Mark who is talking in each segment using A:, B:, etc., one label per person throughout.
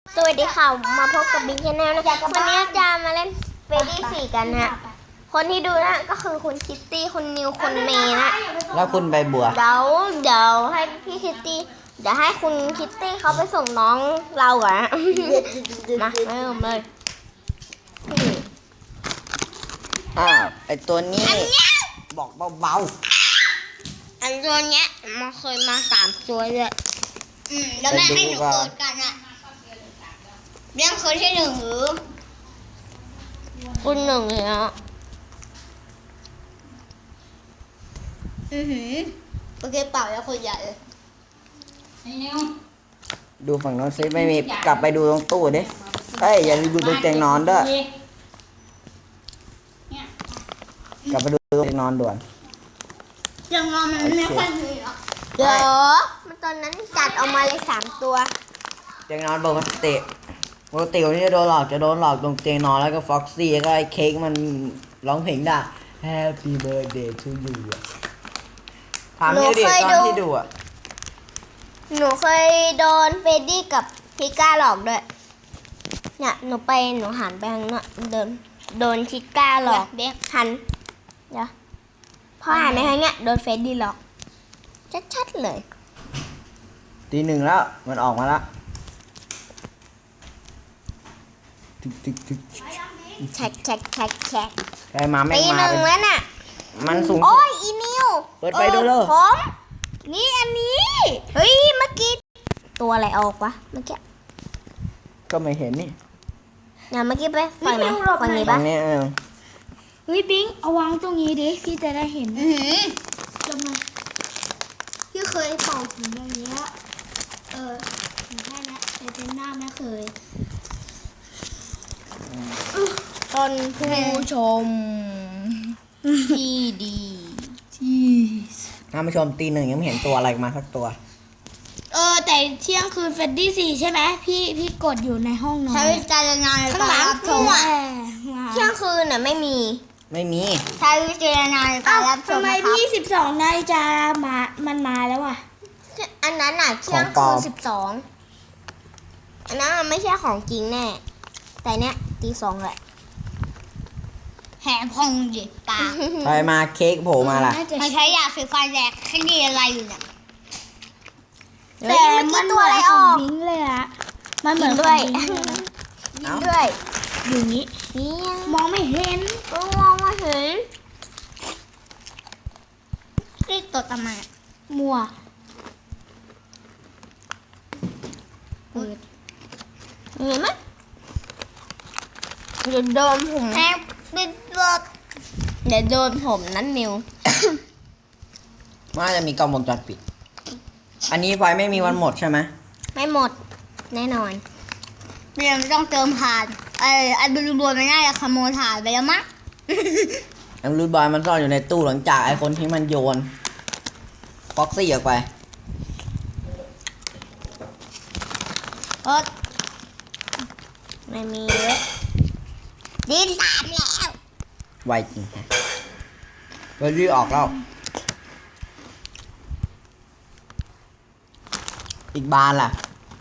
A: สวัสดีค่ะมาพบกับบิ๊กชาแนลนะคะวันนี้จะมาเล่นเฟรดดี้4กันนะคนที่ดูนะก็คือคุณคิตตี้คุณนิวคุณเมย์นะ
B: แล้วคุณใบบัว
A: เดี๋ยวให้พี่คิตตี้เดี๋ยวให้คุณคิตตี้เขาไปส่งน้องเราก่อนนะมาเริ่มเลย
B: ไอตัวนี้บอกเบา
A: อันตัวเนี้ยมันเคยมา3 ตัวเลย
C: แล้วแม่ให้หนูเกิดกันอะเรื่องคนที่1หรือ
A: คุณ1เนี่ย
C: โอเคเปล่าแล้วคนใหญ่เลย
B: ๆดูฝั่งโน้นซิไม่มีกลับไปดูตรงตู้ดิเอ้ยอย่าลืมดูตรงเตียงนอนด้วยกลับไปดูตรงเตียงนอนด่วน
C: ยังนอนมันไม่ค่อยมีหรอก
A: เดี๋ยวมันตอนนั้นจัดออกมาเลย3 ตัว
B: เตียงนอนปกติวันนี้จะโดนหลอกตรงเตียงนอนแล้วก็ฟ็อกซี่แล้วก็ไอ้เค้กมันร้องเพลงได้ Happy Birthday to you ถามนี่ดิตอนที่ดูอ่ะ
A: หนูเคยโดนเฟรดดี้กับพิก้าหลอกด้วยเนี่ยหนูหันไปทางนั้นโดนพิก้าหลอกหันเดี๋ยวพอหันไปทางเนี้ยโดนเฟรดดี้หลอกชัดๆเลย
B: ตี 1แล้วมันออกมาแล้ว
A: แฉก
B: ใครมาแม่ง
A: ตี
B: มา
A: 1แล้วน่ะ
B: มันสูง
A: โอ้ยอีนิว
B: เปิดไฟดูเลย
A: ผมนี่อันนี้เฮ้ยเมื่อกี้ตัวอะไรออกวะเมื่อกี้
B: ก็ไม่เห็นนี่
A: เนี่ยเมื่อกี้ไปฝั่งไหนฝั่งนี้
B: ตร
A: ปะ
B: งนี้
D: เฮ้ยบิงเอาวางตรงนี้ดิพี่จะได้เห็นทำไมพี่เคยเป่าถึงอย่างเงี้ยถึงแค่นี้แต่เป็นหน้าไม่เคย
A: ต้นผู้ชมที่ดีที่
B: ท่านผู้ชมตี 1ยังไม่เห็นตัวอะไรมาสักตัว
D: แต่เที่ยงคืนเฟดดี้4ใช่ไหมพี่กดอยู่ในห้องนอน
C: ใช้วิจารณญาณในการรับชม
A: เที่ยงคืนน่ะไม่มี
B: ไม่มี
C: ใช้วิจารณญาณในการรับช
D: ทำ
C: ม
D: ไม
C: นะครับ
D: พี่12นาฬิกามันมาแล้วอ่ะ
A: อันนั้นน่ะเที่ยงคืน12อันนั้นมันไม่ใช่ของจริงแน่แต่เนี้ยตี2แหละ
C: แหมพองดิปาก
B: ใครมาเค้กโผล่มาล่ะ
D: น่าจะ
C: มันใช้ยาสีฟันแดกคดีอะไรอยู่เนี่ย
A: แต่เมื่อกี้ตัวอะไรออก
D: บิงเลยอะมันเหมือน
A: ด้วย
D: ของบิงเลยนะ
A: ยิงด้วย
D: อยู่นี้
A: นี่ยัง
D: มองไม่เห็น
A: ก็มองมาเห็น
C: นี่ตัวทำไมอะ
D: มัวเปิด
A: เห็นไหมเดี๋ยวโดนผม
C: แหมปิดรถ
A: เดี๋ยวโดนผมนั้นนิว
B: ว่าจะมีกล้องวงจรปิด อันนี้ไฟไม่มีวันหมดใช่ไหม
A: ไม่หมดแน่นอน
C: เรียนต้องเติมถ่านไอ้บลูบอลมันน่าจะขโมยถ่านไปแล้วมั้ง
B: แอมรูดบอยมันซ่อนอยู่ในตู้หลังจากไอ้คนที่มันโยนฟ็อกซี่ออกไป
A: ไม่มีเลยดิน3แล้ว
B: ไวจริงเบอร์รี่ออกแล้ว อีกบานล่ะ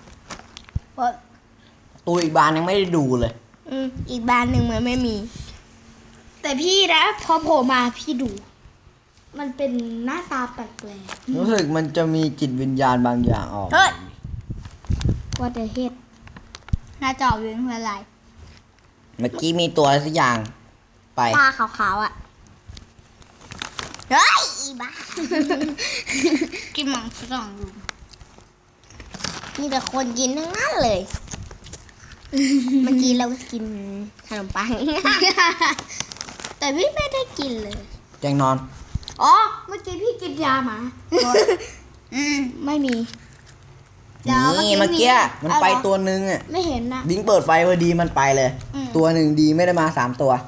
B: ตู้อีกบานยังไม่ได้ดูเลย
A: อีกบ้านหนึ่งมันไม่มี
D: แต่พี่นะพอโผล่มาพี่ดู มันเป็นหน้าตาแปลก
B: รู้สึกมันจะมีจิตวิญญาณบางอย่างออก
A: เฮ้ย
D: ๆว่าแต่เฮ็ด
C: หน้าจอวิงคืออะไร
B: เมื่อกี้มีตัวอะไรสักอย่างไป
A: ตาขาวๆอ่ะ เฮ้ยอีบ้า
C: กินหมังฝรั่งอยู่
A: มีแต่คนกินทั้งนั้นเลย เมื่อกี้เรากินขนมปัง แต่พี่ไม่ได้กินเลย
B: แจงนอน
D: อ๋อเมื่อกี้พี่กินยาหมา
A: ไม่มี
B: นี่เมื่อกี้มันไปตัวนึงอ่ะ
D: ไม่เห็นนะ
B: บิงเปิดไฟพอดีมันไปเลย ตัวหนึ่งดีไม่ได้มา3 ตัว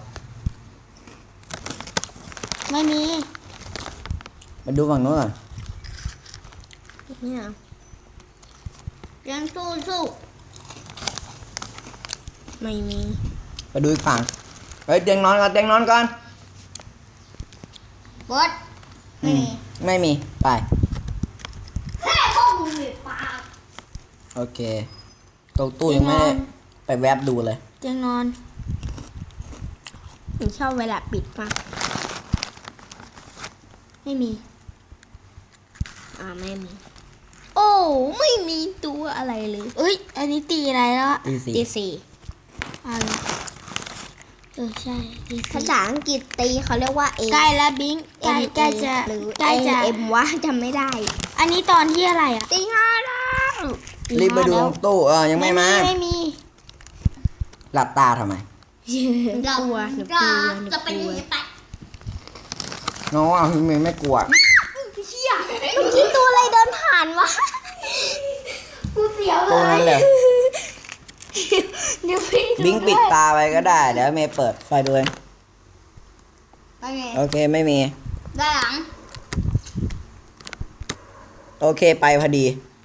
D: ไม่มี
B: มาดูฝั่งโน้นก่อน
A: เนี่ย
C: ยังสู้
A: ไม่มี
B: ไปดูอีกฝั่งเฮ้ยเตียงนอนก่อนเตียงนอนก่อน
C: บอสไม่มี
B: ไม่มีไป
C: แค่พวกมึงมีปาก
B: โอเคตรงตู้ยังไม่ได้ไปแวบดูเลย
D: เตียงนอน
A: หนูชอบเวลาปิดมาก
D: ไม่มี
A: ไม่มี โอ้ไม่มีตัวอะไรเลย
D: เอ้ย อันนี้ตีอะไรแล้วอะ
B: ตีสี่
A: ตีสี่
D: อะไรใช่ตี
A: ภา
D: สี่
A: ษาอังกฤษตีเขาเรียกว่า A
D: ใกล้แล้วบิงใกล้จะ
A: หรือ
D: ใกล้จะ
A: M วะจำไม่ได้
D: อันนี้ตอนที่อะไรอ่ะ
A: ตีห้าแล้ว
B: รีบไปดูตรงตู้ยังไม่มา
D: ไม่มี
B: หลับตาทำไม
C: เรา
A: กลัวหนูก
C: จะ
A: ลัวหนู
C: จะเป็น
A: กลัว
C: ยังไงไป
B: น้องพี่เมย์ไม่กลัว
A: เมื่อกี้ตัวอะไรเดินผ่านวะ
D: กูเสียว
B: ตรงนั้นเลย
D: เดี๋ยวพี่
B: บิงปิดตาไปก็ได้ เดี๋ยวเมย์เปิดไฟดูเอง
C: ไปไง
B: โอเคไม่มี
C: ด้านหลัง
B: โอเคไปพอดี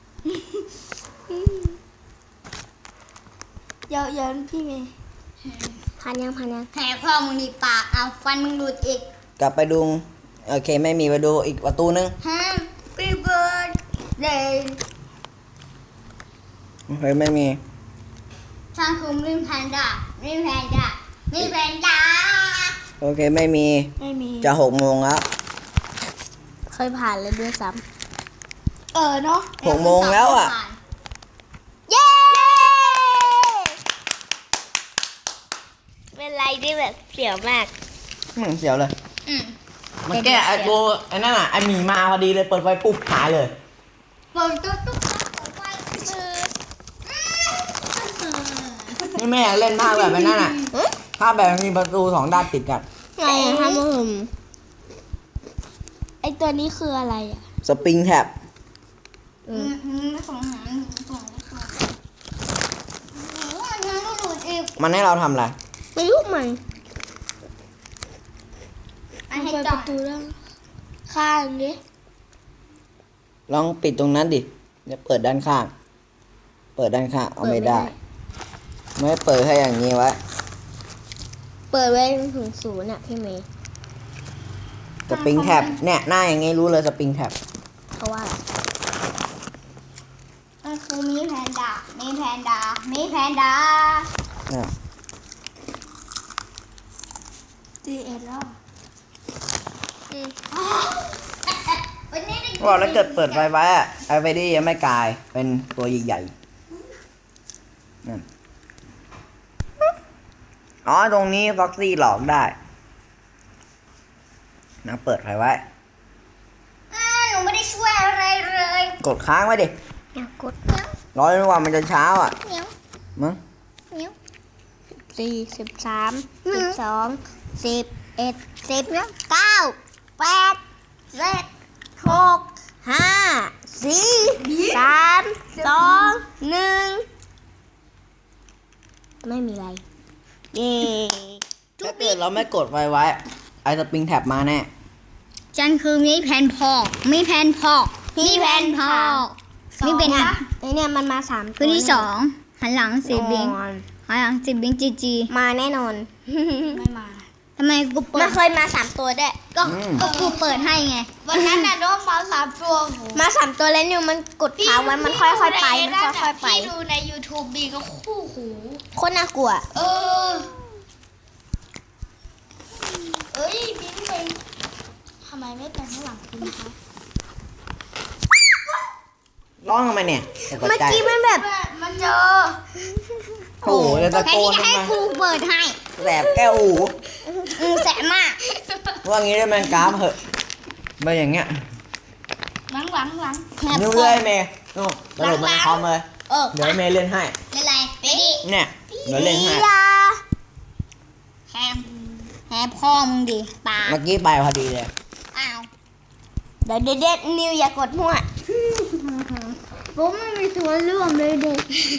D: เดี๋ยวพี่เมย์
A: ผ่านยัง
C: แผลพ่อมึงดีปากเอาฟันมึงหลุดอีก
B: กลับไปดูโอเคไม่มีไปดูอีกประตูนึง
C: Happy birthday
B: โอเคไม่มี
C: ฉันคือมินแพนด้ามินแพนด้ามินแพนด้า
B: โอเคไม่มี
D: ไม่มี
B: จะ6 โมงแล้ว
A: เคยผ่านเลยด้วยซ้
D: เนาะ
B: 6 โมงแล้วอ่ะ
A: ำเย้เป็นไรที่แบบเสียวมาก
B: เสียวเลย
C: อืม
B: มันแก้ไอ้ตัวไอ้นั่นอ่ะไอ้หมีมาพอดีเลยเปิดไฟปุ๊บหายเลย
C: เปิดตุ๊กตุ๊กตุ๊กไฟ
B: นี่แม่เล่นภาพแบบไอ้นั่นอ่ะภาพแบบมีประตู2 ด้านติดกัน
A: ไงอะคะมึง
D: ไอตัวนี้คืออะไรอ่ะ
B: สปริงแท็บ
C: ไม่ส่งหาส่งยังไม่หลุดอีก
B: มันให้เราทำอะไร
A: ไม่รู้มัน
C: อันให้
D: เปิด
C: จ
D: ป
C: อด
D: ระตูแล้วข้างดิ
B: ลองปิดตรงนั้นดิเดี๋ยวเปิดด้านข้าง เปิดด้านข้างเอาไม่ได้ ไม่เปิดให้อย่างนี้ไว้
A: เปิดไว้ถึง0อ่ะพี่เมย์
B: สปริงแท็บเนี่ยหน้าอย่างงี้รู้เลยสปริงแท็บ
A: เขาว่าอะไร
C: มันคือมีแพนด้ามีแพนด้ามีแพนด้า
B: เนี่ย
D: ตีเอ็ดแล้ว
C: วันนี้ได้
B: บอกแล้วเกิดเปิดไฟไว้อะไอไฟดี้ยังไม่กลายเป็นตัวใหญ่ๆนั่นอ๋อตรงนี้ฟ็อกซี่หลอกได้นะเปิดไฟไว้
C: หนูไม่ได้ช่วยอะไรเลย
B: กดค้างไว้ดิ
A: อยากกด
B: รอจนกว่ามันจะเช้าอ่ะ
C: เหนียว
B: มั้ง
C: เหนียว
A: 4 13 12 11 10 9 8 7 6 5 4 3 2 1ไม่มีอะไร เย้
B: ถ้าเกิดเราไม่กดไฟไว้ไอสปริงแท็บมาแน่
C: ฉันคือมีแพนพอกมีแพนพอกมีแพนพอกมีเป็น
A: ไอเนี่ยมันมา3
C: คืนที่2หันหลังสิบิงหันหลังสิบิงจีจี
A: มาแน่นอน
D: ไม่มา
C: ทำไมกูเปิ
A: มั
C: ด
A: นเคยมา3ตัวด้วย
C: ก็กูเปิดให้ไง
D: วันนั้นน่ะโดนมา3 ตัว
A: มา3ตัวแล้วนิวมันกดเท้าไว้มันค่อยๆไปมันค่อยๆไป
D: พี่ดูใน YouTube บีก็คู่หู
A: โคตรน่ากลัว
D: เออ เอ้ยบิงไปทำไมไม่ไปข้างหลังคุณคะ
B: ร้องทำไมเนี่ยตก
A: เมื่อ
B: ใจ
A: กี้มันแบบ
D: มันเจอ
B: โอ้โหจะตะ
C: แค่
B: โก
C: นี้
B: น
C: จะให้
B: ทำไม
C: กูเปิดให้
B: แสบแก้วหู
C: แสบมาก
B: ว่างี้ได้ไหมกราฟเหอะไม่อย่างเงี้ย
D: หลัง
C: แหบ
B: นิ้ว
C: คอ
B: เลยเมย์นู่นกระโดดมาในคอมเลย เดี๋ยวเมย์เล่นให้
C: เป็นไรไปดิ
B: เนี่ยเดี๋ยวเล่นให้
A: ยา
C: แหบคอมึงดิปาก
B: เมื่อกี้ไปพอดีเลย
C: อ้าว
A: เดี๋ยวเด็ดนิวอย่ากดมั่ว
C: ผมไม่มีส่วนร่วมเลยเด็ก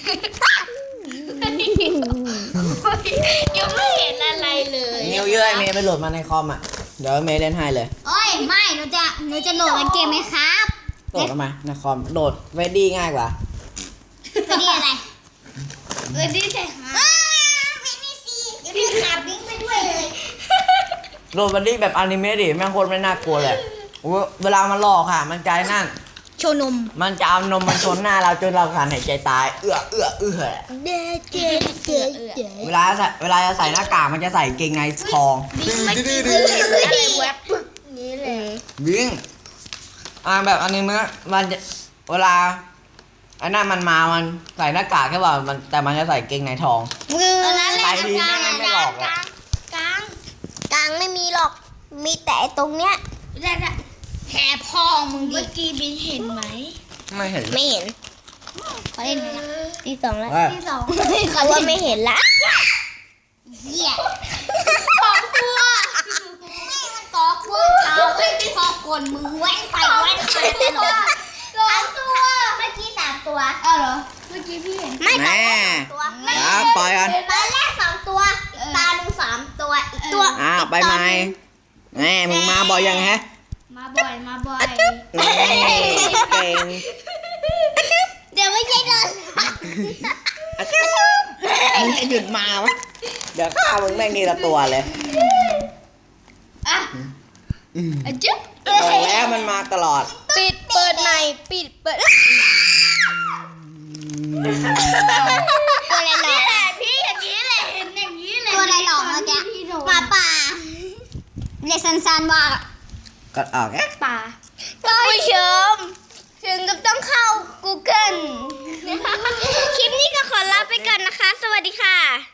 D: ยังไม่เห็นอะไรเลย
B: นิ้วเยอะไอ้เมย์ไปโหลดมาในคอมอ่ะ เดี๋ยวเมย์เล่นให้เลย
C: โอ้ยไม่หนูจะโหลดเกมไหมครับ
B: โหลดมาในคอมโหลดเวดดี้ง่ายกว่า
C: ไปดิอะไร
D: เออที่ใช่หา
C: ไปนี่สิเดี๋ยวพี่ขับบิงไปด้วยเลย
B: โหลดเวดดี้แบบอนิเมะดิแม่งโคตรไม่น่ากลัวเลยโอ้เวลามันหลอกค่ะ มันใจนั่น
C: โชว์นม
B: มันจะเอานมมันชนหน้าเราจนเราขาดหายใจตาย เวลาจะใส่หน้ากากมันจะใส่เกงในทอง
C: อะไรแวบปึ๊กนี้เลย
B: วิ่งแบบอันนี้มันจะเวลาไอ้นั่นมันมามันใส่หน้ากากแค่ว่ามันแต่มันจะใส่เกงในทอง
C: ตอนนั้นแหละ
B: ใส่ทีไม่หลอกอะ
C: กลาง
A: กลางไม่มีหรอก มีแต่ตรงเนี้ย
C: แผลพองมึงดิ
D: เมื่อกี้บิงเห็นไหม
B: ไม่เห็น
A: ไม่เห็น
C: เขาเล่นไหมนะ
A: ที่สองแล้ว
D: ที่สอง
A: เขาว่าไม่เห็นละ
C: เหี้ยสองตัวนี่มันกอกล้วยเท้าไม่พอกลมึงแว่นไปแว่นมาตลอดทั้งตัวเมื่อกี้3 ตัว
D: อ้าวเหรอ เมื่อกี้พี่เห็น
A: ไม่ตอน
B: แม่
A: แรก2 ตัว
B: ปล่อยกัน
A: ตอนแรก2 ตัว ตาดู3 ตัว อีกตัว
B: ไปไหมแม่มึงมาบ่อยยังฮะ
D: มาบ่อย มาบ่อย
B: แม่เก่ง
A: เดี๋ยวไม่ใช่เลย
B: มึงจะหยุดมาวะเดี๋ยวข้ามึงแม่งนี่ละตัวเลย
D: อ่ะจึ๊บ
B: บอกแล้วมันมาตลอด
A: ปิดเปิดใหม่ปิดเปิด
C: ตัวอะไรหลอก
D: พี่อย่างนี้แหละ เห็นอย่างนี้แหละ
C: ตัวอะไรหลอกเมื่อกี้
D: พี่โด
C: หมาป่าเรียกสั้นๆว่า
B: ก็ออกแค่
D: ป่า
A: ท่านผู้ชมถึงกับต้องเข้า Google คลิปนี้ก็ขอลาไปก่อนนะคะ สวัสดีค่ะ